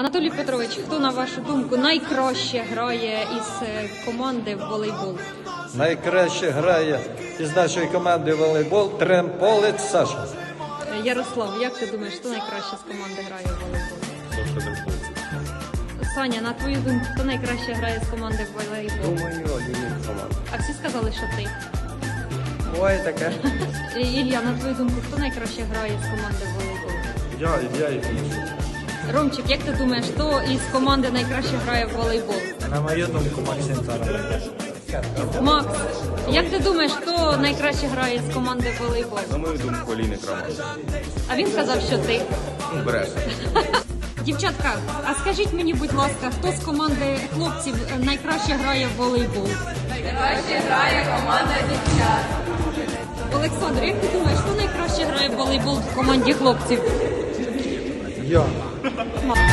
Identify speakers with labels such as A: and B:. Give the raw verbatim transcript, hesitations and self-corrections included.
A: Анатолій Петрович, хто, на вашу думку, найкраще грає із е, команди в волейбол?
B: Найкраще грає із нашої команди в волейбол Тремполець Саша.
A: Е, Ярослав, як ти думаєш, хто найкраще з команди грає в волейбол? Саня, на твою думку, хто найкраще грає з команди в волейбол?
C: Думаю, Лінік команда.
A: А всі сказали, що ти.
C: Буває таке.
A: Е, Ілля, на твою думку, хто найкраще грає з команди в волейбол?
C: Я, я і більше.
A: Ромчик, як ти думаєш, хто із команди найкраще грає в волейбол?
C: На мою думку, Максим Царов.
A: Макс, як ти думаєш, хто найкраще грає з команди в волейбол?
D: На мою думку, Ліник Роман.
A: А він сказав, що ти.
D: Бреше.
A: Дівчатка, а скажіть мені, будь ласка, хто з команди хлопців найкраще грає в волейбол?
E: Найкраще грає команда дівчат.
A: Олександр, як ти думаєш, хто найкраще грає в волейбол в команді хлопців?
C: Я.